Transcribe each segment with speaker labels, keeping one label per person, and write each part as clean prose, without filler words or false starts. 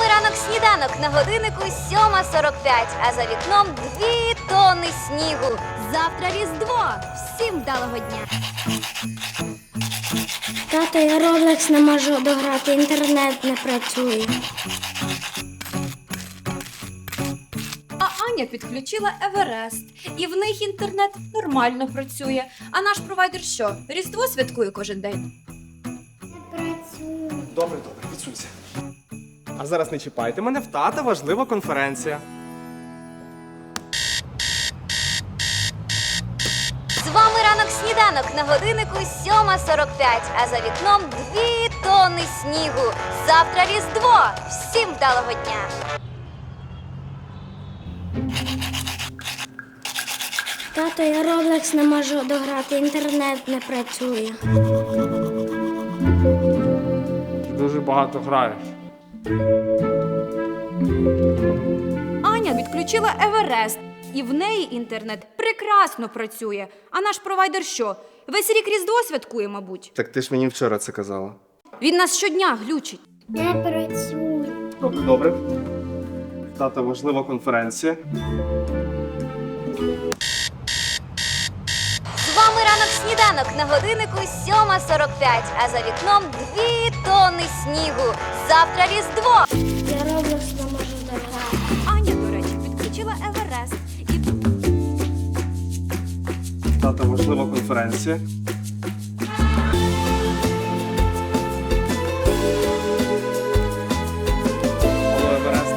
Speaker 1: вами ранок сніданок, на годиннику 7:45, а за вікном 2 тонни снігу.
Speaker 2: Завтра Різдво! Всім вдалого дня!
Speaker 3: Тато, я Roblox не можу дограти, інтернет не працює.
Speaker 4: А Аня підключила Еверест, і в них інтернет нормально працює. А наш провайдер що, Різдво святкує кожен день?
Speaker 3: Не працює.
Speaker 5: Добре, відсунься. А зараз не чіпайте мене, в тата важлива конференція.
Speaker 1: З вами ранок сніданок, на годиннику 7:45, а за вікном 2 тонни снігу. Завтра Різдво! Всім вдалого дня!
Speaker 3: Тато, я Roblox не можу дограти, інтернет не працює.
Speaker 5: Ти дуже багато граєш.
Speaker 4: Аня відключила Еверест, і в неї інтернет прекрасно працює. А наш провайдер що, весь рік Різдво святкує, мабуть?
Speaker 5: Так ти ж мені вчора це казала.
Speaker 4: Він нас щодня глючить.
Speaker 3: Не працює.
Speaker 5: Добре. В тата важлива конференція.
Speaker 1: З вами ранок сніданок, на годиннику 7:45, а за вікном 2 тонни снігу. Завтра Різдво!
Speaker 3: Я Roblox не можу дограти.
Speaker 4: Аня, до речі, відключила Еверест. І
Speaker 5: В тата важлива конференція. Алло, Еверест.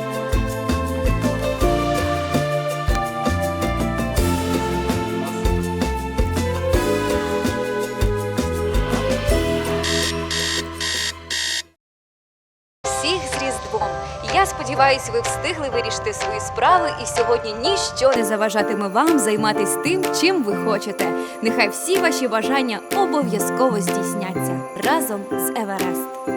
Speaker 1: Всіх з Різдвом! Я сподіваюся, ви встигли вирішити свої справи, і сьогодні ніщо
Speaker 4: не заважатиме вам займатися тим, чим ви хочете. Нехай всі ваші бажання обов'язково здійсняться разом з Еверест.